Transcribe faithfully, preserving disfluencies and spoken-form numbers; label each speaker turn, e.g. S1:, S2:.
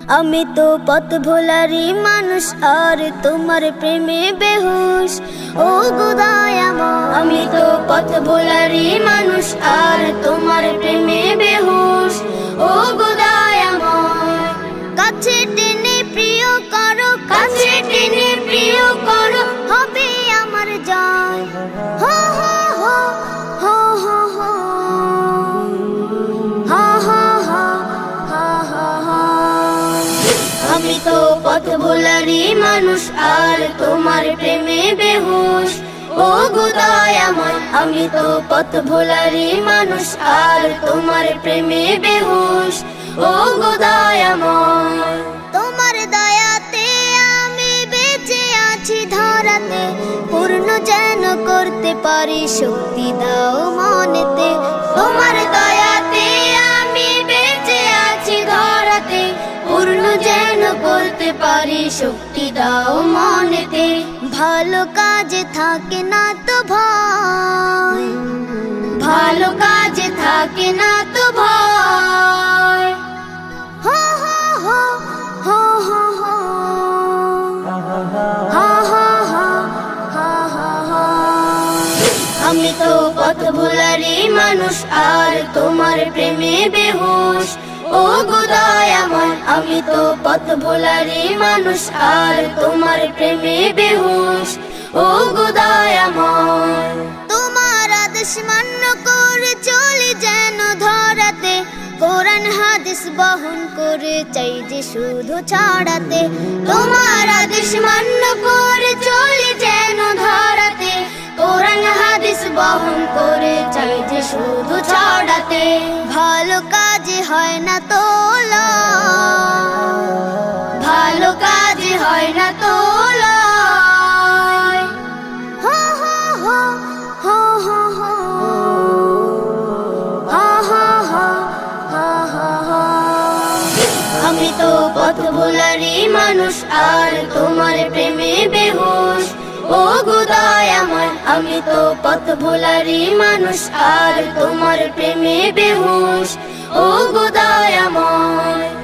S1: আমি তো পথ ভোলারি মানুষ আর তোমার প্রেমে বেহুশ। ও গো দয়াময়, আমি তো পথ ভোলারি মানুষ আর তোমার প্রেমে বেহুশ। ও গো দয়াময়, কাছে টেনে প্রিয় করো, কাছে টেনে প্রিয় করো, হবে আমার জয়। হো হো হো হো হো হো হা হা হা হা হা হা। আমি তো পথ ভোলারি মানুষ আর তোমার প্রেমে বেহুশ। ও গো দয়াময়, আমি তো পথ ভোলারি মানুষ আর তোমার প্রেমে বেহুশ। ও গো দয়াময়, তোমার দয়াতে আমি বেঁচে আছি ধরাতে, পূর্ণ যেন করতে পারি শক্তি দাও মনেতে। তোমার দয়াতে আমি বেঁচে আছি ধরাতে, পূর্ণ যেন করতে পারি শক্তি দাও মনেতে। ভালো কাজে থাকে না তো ভয়, ভালো কাজে থাকে না তো ভয়। হো হো হো হো হো হো হা হা হা হা হা হা। আমি তো পথ ভোলারি মানুষ আর তোমার প্রেমে বেহুশ। ও গো দয়াময়, আমি তো পথ ভোলারি মানুষ আর তোমার প্রেমে বেহুশ। ও গো দয়াময়, তোমার আদেশ মান্য করে চলি যেন ধরাতে, কোরআন হাদিস বহন করে চাই যে শুধু ছড়াতে। তোমার আদেশ মান্য করে চলি যেন ধরাতে, কোরআন হাদিস বহন করে চাই যে শুধু ছড়াতে। ভালো কাজে হয় না তো লয়, ভালো কাজে হয় না তো লয়। হো হো হো হো হো হো হা হা হা হা হা হা। আমি তো পথ ভোলারি মানুষ আর তোমার প্রেমে বেহুশ। ও গো দয়াময়, আমি তো পথ ভোলারি মানুষ আর তোমার প্রেমে বেহুশ। ও গো দয়াময়।